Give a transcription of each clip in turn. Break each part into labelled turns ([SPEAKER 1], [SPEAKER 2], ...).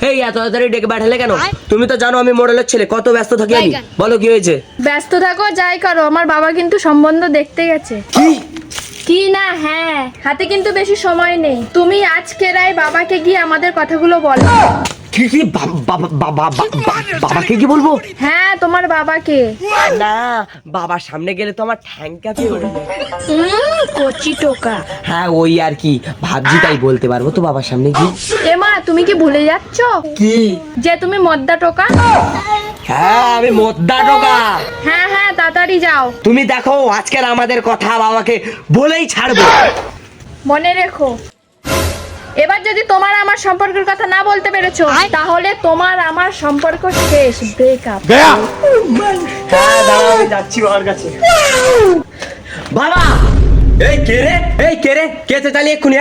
[SPEAKER 1] এই এত তাড়াতাড়ি ডেকে পাঠালে কেন? তুমি তো জানো আমি মডেলের ছেলে, কত ব্যস্ত থাকি আমি। বলো কি হয়েছে?
[SPEAKER 2] ব্যস্ত থাকো যাই করো, আমার বাবা কিন্তু সম্বন্ধ দেখতে গেছে।
[SPEAKER 1] কি?
[SPEAKER 2] কি না, হ্যাঁ, হাতে কিন্তু বেশি সময় নেই। তুমি আজকে রায় বাবাকে গিয়ে আমাদের কথাগুলো বলো।
[SPEAKER 1] কি কি বাবাকে কি বলবো?
[SPEAKER 2] হ্যাঁ, তোমার বাবাকে।
[SPEAKER 1] না, বাবার সামনে গেলে তো আমার ঠ্যাং কাঁপিয়ে ওঠে।
[SPEAKER 2] কচি টোকা।
[SPEAKER 1] হ্যাঁ ওই আর কি ভাবছি, তাই বলতে পারবো তো বাবার সামনে কি?
[SPEAKER 2] এমা, তুমি কি ভুলে যাচ্ছ
[SPEAKER 1] কি?
[SPEAKER 2] যে তুমি মদ্দা টোকা?
[SPEAKER 1] হ্যাঁ আমি মোদ্দা টোকা।
[SPEAKER 2] হ্যাঁ হ্যাঁ, তাড়াতাড়ি যাও।
[SPEAKER 1] তুমি দেখো আজকের আমাদের কথা বাবাকে বলেই ছাড়বো।
[SPEAKER 2] মনে রেখো, এবার যদি তোমার আমার সম্পর্কের কথা না বলতে পেরেছো, তাহলে তোমার আমার সম্পর্ক শেষ, ব্রেকআপ।
[SPEAKER 1] হ্যাঁ দাঁড়াও, আমি যাচ্ছি বাবার কাছে। বাবা! এই কে রে? এই কে রে? কে চালিয়ে এক্ষুনি?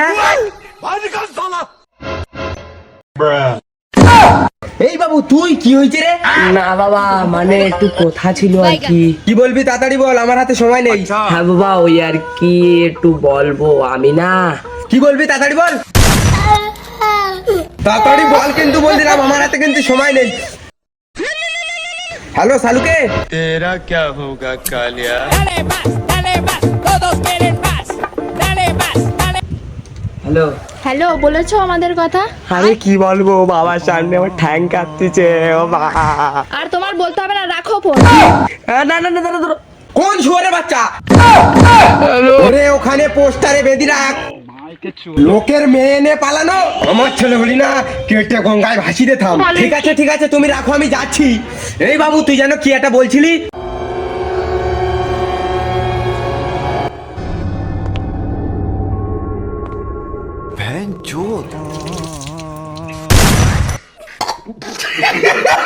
[SPEAKER 1] এই বাবু তুই, কি হয়েছে রে? না বাবা, মানে একটু কথা ছিল আর কি।
[SPEAKER 3] কি বলবি তাড়াতাড়ি বল, আমার হাতে সময় নেই।
[SPEAKER 1] হ্যাঁ বাবা ওই আর কি একটু বলবো আমি না।
[SPEAKER 3] কি বলবি তাড়াতাড়ি বল, তাড়াতাড়ি বল, কিন্তু বল দিলাম আমার হাতে কিন্তু সময় নেই। হ্যালো সালুকে,
[SPEAKER 4] तेरा क्या होगा Kalia.
[SPEAKER 5] Dale más, todos quieren más. Dale más, dale.
[SPEAKER 1] Hello.
[SPEAKER 2] Hello, বলেছো আমাদের কথা?
[SPEAKER 1] আরে কি বলবো, বাবার সামনে আমার ঠ্যাং কাঁপতেছে ও বাবা।
[SPEAKER 2] আর তোমার বলতে হবে না, রাখো ফোন।
[SPEAKER 1] না না না দাঁড়া দাঁড়া।
[SPEAKER 3] কোন শুয়ারে বাচ্চা? ওরে ওখানে পোস্টারে বেঁধে রাখ, লোকের মেয়ে এনে পালানো। আমার ছেলে হলি না, কেটে গঙ্গায় ভাসি দে থাম। ঠিক আছে ঠিক আছে, তুমি রাখো, আমি যাচ্ছি। এই বাবু তুই যেন কি একটা বলছিলি?
[SPEAKER 4] बहन चोद।